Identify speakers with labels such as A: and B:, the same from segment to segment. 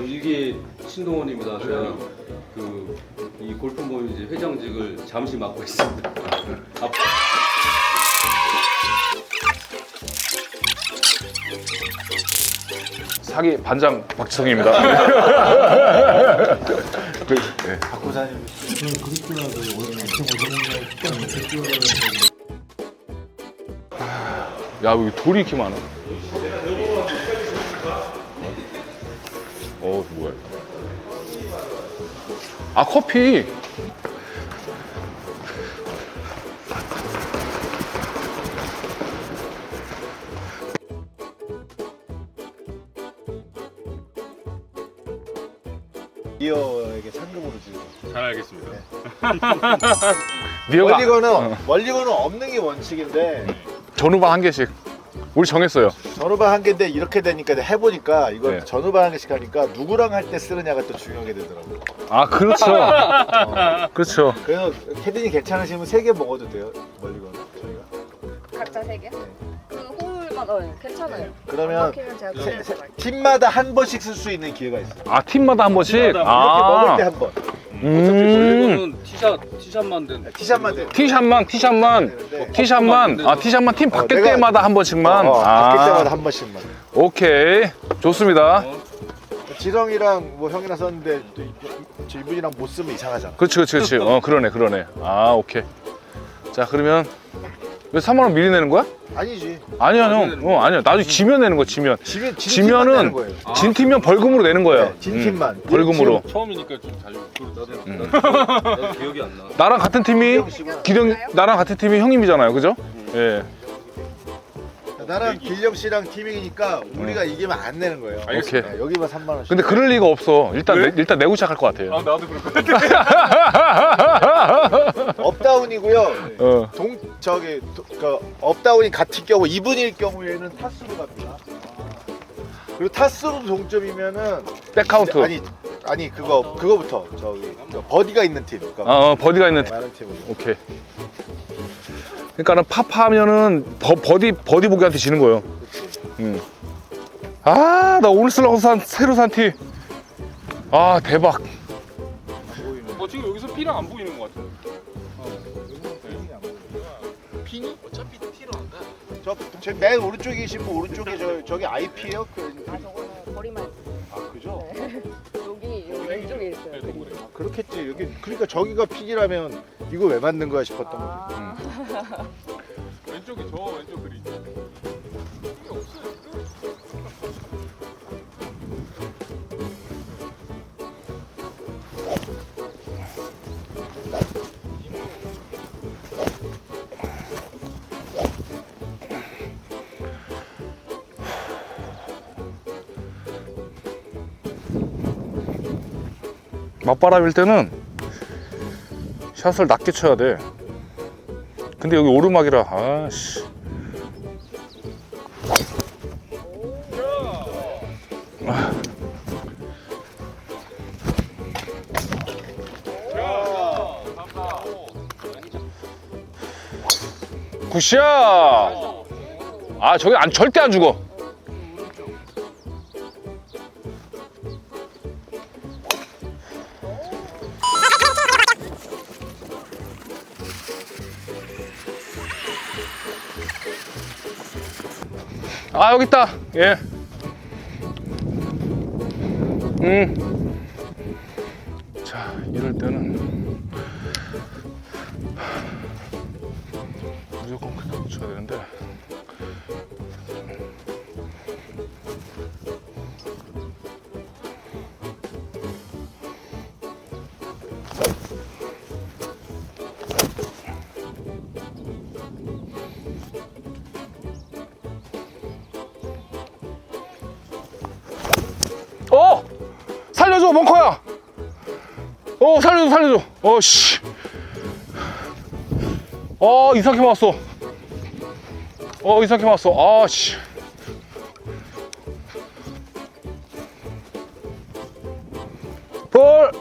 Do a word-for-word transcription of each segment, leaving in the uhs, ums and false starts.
A: 이게 신동원입니다. 제가 그 이 골프 모임 이제 회장직을 잠시 맡고 있습니다. 앞...
B: 사기 반장 박지성입니다. 네.
C: 박구사님 그립구나도 오늘 엄청 오셨는데
B: 야, 여기 돌이 이렇게 많아. 어, 뭐야? 아, 커피.
C: 리어에게 상금으로 주고.
A: 잘 알겠습니다.
B: 리어가
C: 원리건은
B: 어.
C: 원리건은 없는 게 원칙인데
B: 전후반 한 개씩. 우리 정했어요.
C: 전후반 한 개인데 이렇게 되니까 해보니까 이거
B: 네.
C: 전후반 한 개씩 하니까 누구랑 할 때 쓰느냐가 또 중요하게 되더라고요.
B: 아, 그렇죠.
C: 어.
B: 그렇죠.
C: 그래서 캐디님 괜찮으시면 세 개 먹어도 돼요. 원리건 저희가.
D: 각자 세 개? 그 홀만 어 괜찮아요. 안
C: 그러면
D: 막히면 제가
C: 세-
D: 그냥
C: 세-
D: 가져갈게요.
C: 팀마다 한 번씩 쓸 수 있는 기회가 있어요.
B: 아, 팀마다 한 번씩.
A: 팀마다
C: 이렇게
B: 아,
C: 먹을 때 한 번.
B: 음.
A: 원래는 티샷 티샷만 된.
C: 티샷만 돼.
B: 티샷만, 티샷만,
C: 되는데
B: 티샷만. 아, 티샷만 팀 바뀔
C: 내가-
B: 때마다 한 번씩만.
C: 어, 어, 바뀔
B: 아,
C: 때마다 한 번씩만.
B: 오케이. 좋습니다.
C: 지성이랑 뭐 형이랑 썼는데 또 이- 저 이분이랑 못 쓰면 이상하잖아.
B: 그렇지, 그렇지, 그렇지. 어, 그러네, 그러네. 아, 오케이. 자, 그러면 왜 삼만 원 미리 내는 거야?
C: 아니지.
B: 아니야, 형. 어, 아니야. 나중에 지면 내는 거, 지면.
C: 지면 진 팀만
B: 지면은
C: 내는 거예요.
B: 진 팀면 벌금으로 내는 거예요.
C: 네, 진 팀만.
B: 음, 벌금으로.
A: 처음이니까 좀 자주. 나도
B: 음.
A: 나도 기억이 안 나.
B: 나랑 같은 팀이 기령 나랑 같은 팀이 형님이잖아요, 그죠? 예.
C: 나랑 길령 씨랑 팀이니까 우리가 이기면 안 내는 거예요.
B: 오케이.
C: 네, 여기만 삼만 원씩.
B: 근데 그럴 리가 없어. 일단
A: 왜?
B: 내, 일단 내고 시작할 것 같아요.
A: 나도 그럴 것 같아.
C: 업다운이고요.
B: 어.
C: 동 저기 도, 그 업다운이 같은 경우 이 분일 경우에는 타수로 갑니다. 그리고 타수로 동점이면은
B: 백카운트.
C: 아니 아니 그거 그거부터 저기 저 버디가 있는 팀. 그러니까
B: 어, 어, 버디가 있는 팀.
C: 많은 팀으로.
B: 오케이. 그러니까는 파파하면은 버, 버디 버디 보기한테 지는 거예요. 음. 아, 나 오늘 쓰려고 산 새로 산 티. 아, 대박.
A: 어 지금 여기서 피랑 안 보이는 것 같아.
C: 핀이 어차피 티로 안 가. 저맨 오른쪽에 계신 분 오른쪽에 저 저기 아이피예요? 그,
D: 아 저거는 거리만
C: 아 그죠?
D: 여기 여기 왼쪽에 있어요. 그림.
C: 아, 그렇겠지. 여기 그러니까 저기가 핀이라면 이거 왜 만든 거야 싶었던 거지.
D: 아,
A: 왼쪽에 저 왼쪽 그리.
B: 맞바람일 때는 샷을 낮게 쳐야 돼. 근데 여기 오르막이라 아씨. 굿샷. 아, 저기 안 절대 안 죽어. 아, 여기 있다. 예. 음. 자, 이럴 때는 무조건 그냥 붙여야 되는데. 어! 살려줘, 벙커야! 어, 살려줘, 살려줘. 어, 씨. 어, 이상하게 맞았어. 어, 이상하게 맞았어. 아, 씨. 볼!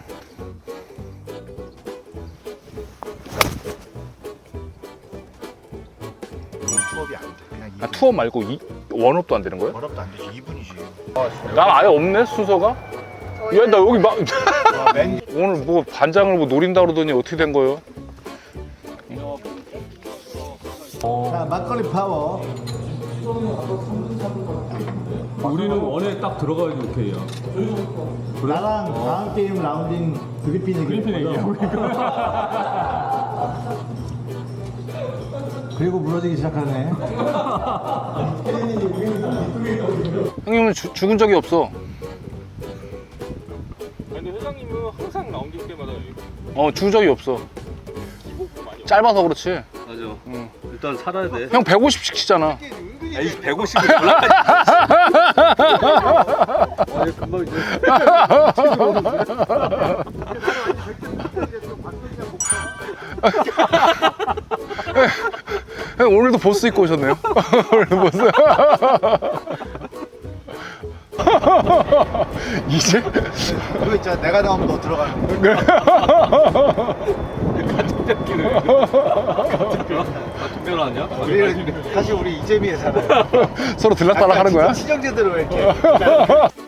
C: 투업이 안 돼. 그냥
B: 아, 투어 말고 이, 원업도 안 되는 거예요?
C: 어렵도 안 되지. 이 분이지.
B: 난 아예 없네, 순서가? 야, 나 여기 막
C: 와, 맨
B: 오늘 뭐 반장을 뭐 노린다 그러더니 어떻게 된 거예요?
C: 자, 막걸리 파워.
E: 우리는 원에 딱 들어가야지 오케이야.
F: 나랑 다음 게임 라운딩 그리핀 얘기
E: 그리핀 얘기야.
F: 그리고 무너지기 시작하네.
B: 형님은 주- 죽은 적이 없어.
E: 근데 회장님은 항상 라운딩 때마다
B: 어, 죽은 적이 없어. 짧아서 그렇지.
A: 맞아.
B: 응.
A: 일단 살아야 돼.
B: 형 백오십씩 치잖아.
A: 에이 백오십을 올라가지. 아니 금방 이제.
B: 형 오늘도 보스 입고 오셨네요. 오늘도 보스. 이제
C: 그거 있잖아. 내가 나오면 너 들어가는 거.
A: 같은 편 아니야?
C: 우리 사실 우리 이재미에 살아요.
B: 서로 들락달락 하는 거야?
C: 친형제대로 이렇게.